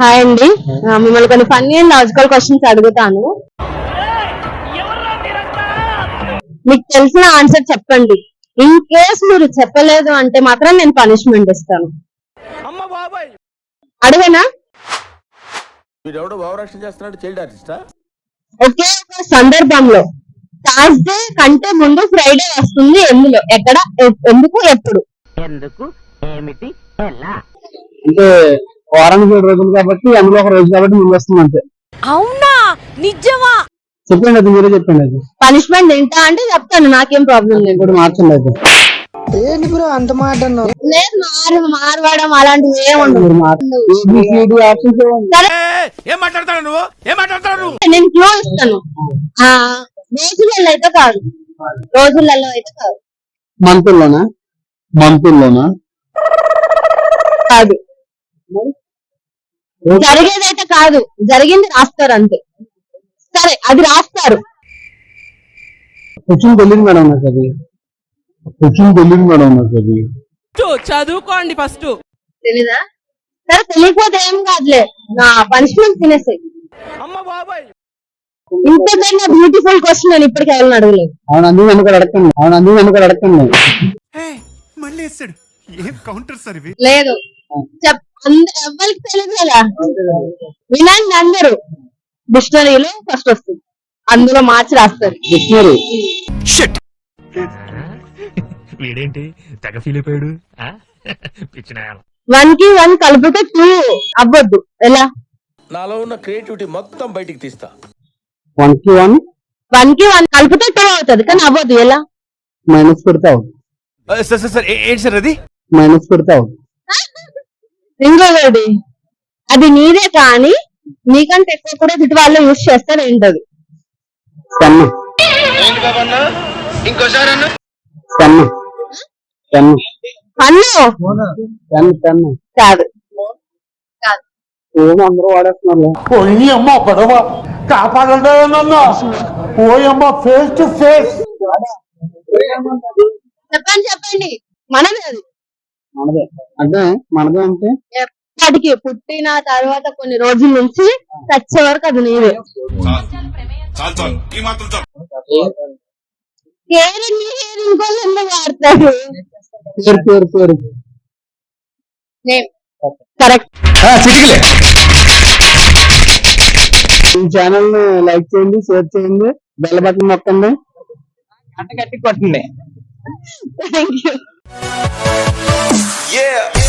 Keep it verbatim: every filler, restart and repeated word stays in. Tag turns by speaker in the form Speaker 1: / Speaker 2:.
Speaker 1: Hi అండి, ఆ, మిమ్మల్ని కొన్ని ఫన్నీ అండ్ లాజికల్ క్వశ్చన్స్ అడుగుతాను. మీకు తెలిసిన ఆన్సర్ చెప్పండి. ఇన్ కేస్ మీరు చెప్పలేదు అంటే మాత్రం నేను పనిష్మెంట్ ఇస్తాను. అడగనా? ఒకే ఒక సందర్భంలో థర్స్డే కంటే ముందు ఫ్రైడే వస్తుంది. ఎందులో, ఎక్కడ, ఎ- ఎందుకు, ఎప్పుడు?
Speaker 2: ఎందుకు, ఏమిటి, ఎలా?
Speaker 3: అంటే వారానికి ఏడు రోజులు కాబట్టి అందులో ఒక రోజు కాబట్టి ముందు వస్తుంది అంతే.
Speaker 4: అవునా, నిజమా?
Speaker 3: చెప్పండి, అది మీరే చెప్పండి. అది
Speaker 1: పనిష్మెంట్ తింటా అంటే చెప్తాను, నాకేం ప్రాబ్లం లేదు.
Speaker 3: ఇప్పుడు మార్చండి. అయితే
Speaker 5: ఏంటి బ్రో అంత మాట అన్నావు?
Speaker 1: లేదు, మారు మారవడం అలాంటివి ఏం ఉండదు.
Speaker 3: మీరు మార్చండి. ఏబిసిడి ఆప్షన్స్ ఇవ్వండి.
Speaker 1: సరే,
Speaker 6: ఏం మాట్లాడతాడు నువ్వు ఏం మాట్లాడతాడు
Speaker 1: నేను క్లూ ఇస్తాను. ఆ రోజులలో అయితే కాదు, రోజులలో అయితే కాదు.
Speaker 3: మంతుల్లోనా? మంతుల్లోనా?
Speaker 1: కాదు, జరిగేదైతే కాదు, జరిగింది రాస్తారు అంతే. సరే, అది రాస్తారు.
Speaker 3: కూర్చుని తెలియదు మేడం నాకు అది. కూర్చుని తెలియదు మేడం నాకు అది.
Speaker 4: చదువుకోండి ఫస్ట్.
Speaker 1: తెలీదా? సరే, తెలియకపోతే ఏం కాదులే, నా పనిష్మెంట్ తినేసాయి. ఇంతకన్నా బ్యూటిఫుల్ క్వశ్చన్ నేను ఇప్పటికీ ఎవరిని అడగలేదు.
Speaker 3: అవును, అందుకు నన్ను కూడా అడగండి. అవును, అందుకు నన్ను కూడా అడగండి.
Speaker 6: మళ్ళీ వేస్తాడు ఏం కౌంటర్ సార్ ఇవి
Speaker 1: లేదు, చెప్ అంద- ఎవరికి తెలియదు కదా. వినండి అందరూ, డిక్షనరీలో ఫస్ట్ వస్తుంది, అందులో మార్చి రాస్తారు.
Speaker 3: డిక్షనరీ.
Speaker 7: వీడేంటి తెగ ఫీల్ అయిపోయాడు పిచ్చిన.
Speaker 1: వన్ కి వన్ కలిపితే టూ అవ్వద్దు. ఎలా?
Speaker 8: నాలో ఉన్న క్రియేటివిటీ మొత్తం బయటికి తీస్తా.
Speaker 3: వన్ కి వన్
Speaker 1: వన్ కి వన్ కలిపితే టూ అవుతుంది, కానీ అవ్వద్దు. ఎలా?
Speaker 3: మైనస్ పెడతావు.
Speaker 6: సార్ సార్ సార్ ఏంటి సార్ అది
Speaker 3: మైనస్ పెడతావు.
Speaker 1: ఇంకొకటి, అది నీదే కానీ నీకంటే ఎక్కువ కూడా ఇటు వాళ్ళు యూజ్ చేస్తారు. ఏంటది?
Speaker 3: పెన్ను. పెన్ను. పెన్ను.
Speaker 1: పన్ను
Speaker 3: పెన్ను. పెన్ను
Speaker 1: కాదు. కాదు.
Speaker 3: ఏమో అందరూ వాడేస్తున్నారు.
Speaker 5: పోయి అమ్మ పడవ కాపాడండి నన్ను. పోయమ్మ ఫేస్ టు ఫేస్.
Speaker 1: చెప్పండి చెప్పండి. మనది అది.
Speaker 3: మనదే అంటే మనదే అంటే
Speaker 1: ఎప్పటికి పుట్టిన తర్వాత కొన్ని రోజుల నుంచి చచ్చే వరకు అది నీదే. కేర్ ఇంకోళ్ళు ఎందుకు వాడతారు?
Speaker 3: పేరు పేరు పేరు
Speaker 1: కరెక్ట్.
Speaker 3: ఈ ఛానల్ ని లైక్ చేయండి, షేర్ చేయండి, బెల్ బటన్ నొక్కండి,
Speaker 5: గట్టి కొట్టండి.
Speaker 1: Thank you.
Speaker 8: Yeah.